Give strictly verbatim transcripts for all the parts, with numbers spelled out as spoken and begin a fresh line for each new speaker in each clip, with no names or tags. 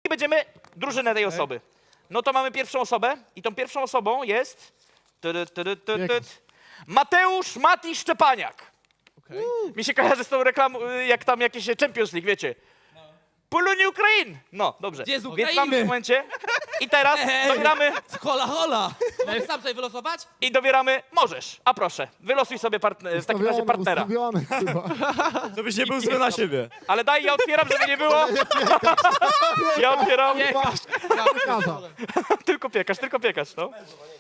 i będziemy drużynę tej osoby. No to mamy pierwszą osobę i tą pierwszą osobą jest tyry, tyry, tyry, tyry. Mateusz Mati Szczepaniak.
Okay.
Mi się kojarzy z tą reklamą, jak tam jakieś Champions League, wiecie. Polonie Ukrain! No, dobrze.
Gdzie z
Więc
Ukrainy?
mamy w tym momencie. I teraz
Ej.
dobieramy
Hola, hola! Możesz sam sobie wylosować?
i dobieramy. Możesz, a proszę, wylosuj sobie partner, w takim razie partnera.
Ustawiony chyba.
Żebyś nie był zły na siebie.
Ale daj, ja otwieram, żeby nie było. Ja otwieram.
Piekarza.
Tylko piekarz, tylko piekarz, no.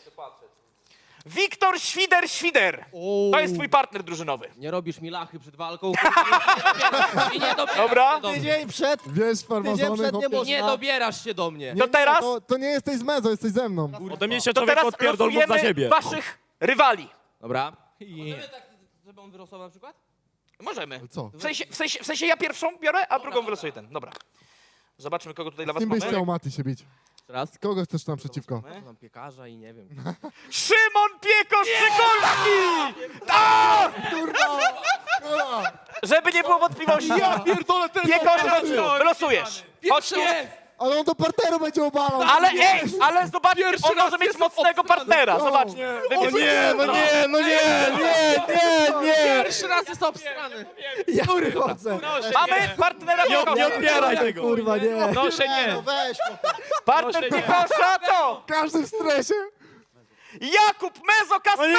Wiktor Świder-Świder. To jest twój partner drużynowy.
Nie robisz mi lachy przed walką. I nie dobierasz
Dobra.
się do mnie.
Tydzień przed,
Wiesz,
tydzień
farmazony,
przed nie
chłopie.
I nie
można.
dobierasz się do mnie.
To teraz,
To, to nie jesteś z Mezo, jesteś ze mną.
Ode mnie się
to
człowiek
teraz
odpierdol mógł za
losujemy
siebie.
waszych rywali.
Dobra. Możemy tak, żeby on wylosował na przykład?
Możemy.
Co?
W sensie, w, sensie, w sensie ja pierwszą biorę, a drugą wylosuję ten. Dobra. Zobaczmy, kogo tutaj dla was
Kim byś
mamy.
chciał Mati się bić?
Raz.
Kogo chcesz tam przeciwko?
Mam piekarza i nie wiem.
Szymon Piekosz-Szykolski! Tak! Żeby nie było wątpliwości. Ja pierdolę, ten Piekosz, wylosujesz. Chodź tu.
Ale on do parteru będzie obalał.
Ale ej, ale zobaczcie, on może mieć mocnego partnera. Zobaczcie.
O nie, no nie, no nie, nie, nie, nie!
Pierwszy raz jest obstrany.
Ja chodzę.
Mamy partnera
Nie, nie
Piekosza.
odbieraj tego!
Kurwa, nie.
Proszę nie.
No weź,
Partner Piekosza to
Każdy w stresie.
Jakub Mezo Kasper!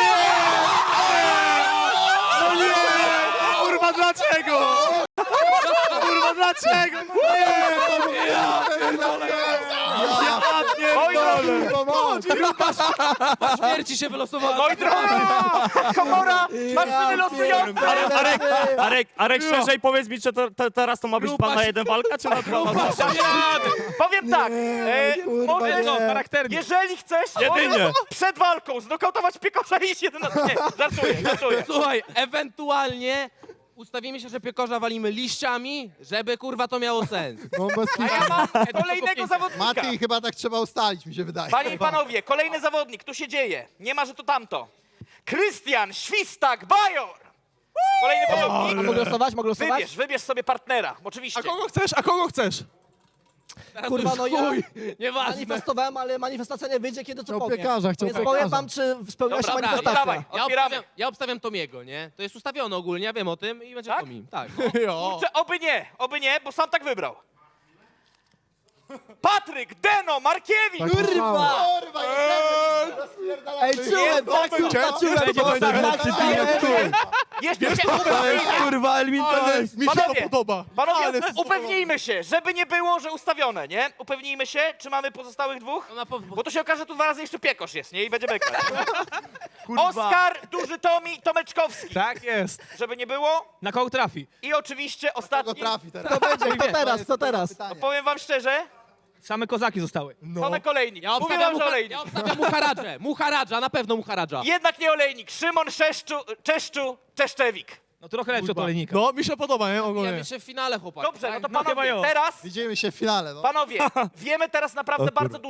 No nie! Kurwa, dlaczego? Kurwa, dlaczego? No nie! Ja pierdolę! Ja pierdolę!
Po śmierci się wylosowała.
Moi drodzy, komora, maszyny losujące.
Arek, Arek, Arek, Arek, szerzej powiedz mi, czy to, to, teraz to ma być pan na jeden walka, czy na dwa walka?
Powiem tak, e, możesz,
No, charakternie.
jeżeli chcesz,
Jedynie.
możesz przed walką znokautować Piekosza i iść jeden na... Nie, żartuję, żartuję.
Słuchaj, ewentualnie ustawimy się, że piekorza walimy liściami, żeby kurwa to miało sens.
No bez
A ja mam kolejnego zawodnika.
Mati, chyba tak trzeba ustalić, mi się wydaje.
Panie i panowie, kolejny zawodnik, tu się dzieje. Nie ma, że to tamto. Krystian Świstak-Bajor. Kolejny zawodnik.
Mogę losować, mogę losować?
Wybierz, wybierz sobie partnera, oczywiście.
A kogo chcesz? A kogo chcesz?
Kurwa, no ja
Nieważne.
manifestowałem, ale manifestacja nie wyjdzie, kiedy to
Chciał
powiem.
piekarza, chciał
Więc
piekarza.
powiem wam, czy spełniła się
Dobra, no to
manifestacja.
dawaj,
Ja
otwieramy.
obstawiam, ja obstawiam Tomiego, nie? To jest ustawione ogólnie, ja wiem o tym i będzie
Tak?
Tomi. Tak.
Kurczę, oby nie, oby nie, bo sam tak wybrał. Patryk Deno Markiewicz.
Tak
Kurwa!
myślałem.
Kurwa, Ej, czułem, tak, kurwa, czułem.
Będzie
to,
będzie
tak,
będzie
tak,
przeciwnik,
tak,
który.
Jeszcze się upewnijmy.
Kurwa, eliminowałeś.
Mi się to
Panowie,
podoba.
Panowie, upewnijmy się, żeby nie było, że ustawione, nie? Upewnijmy się, czy mamy pozostałych dwóch?
No na pewno.
Bo tu się okaże, że tu dwa razy jeszcze Piekosz jest, nie? I będzie beka. Oskar, Duży Tomi, Tomeczkowski.
Tak jest.
Żeby nie było.
Na kogo trafi?
I oczywiście
Kto
ostatni.
trafi teraz? Kto będzie, kto teraz, kto teraz?
Powiem wam szczerze,
Same kozaki zostały.
to na kolejnik.
Ja
Mówię
obstawiam,
wam, że
mucha,
olejnik.
ja obstawiam Muharadżę. Muharadża, na pewno Muharadża.
Jednak nie olejnik. Szymon Szeszczu, Czeszczu, Czeszczewik.
No trochę lepszy od olejnika.
No, mi się podoba, nie?
Ja
Ogólnie.
jeszcze w finale, chłopaki.
Dobrze, no to
No chyba
panowie,
jo.
teraz,
Widzimy się w finale, no.
panowie, wiemy teraz naprawdę bardzo dużo.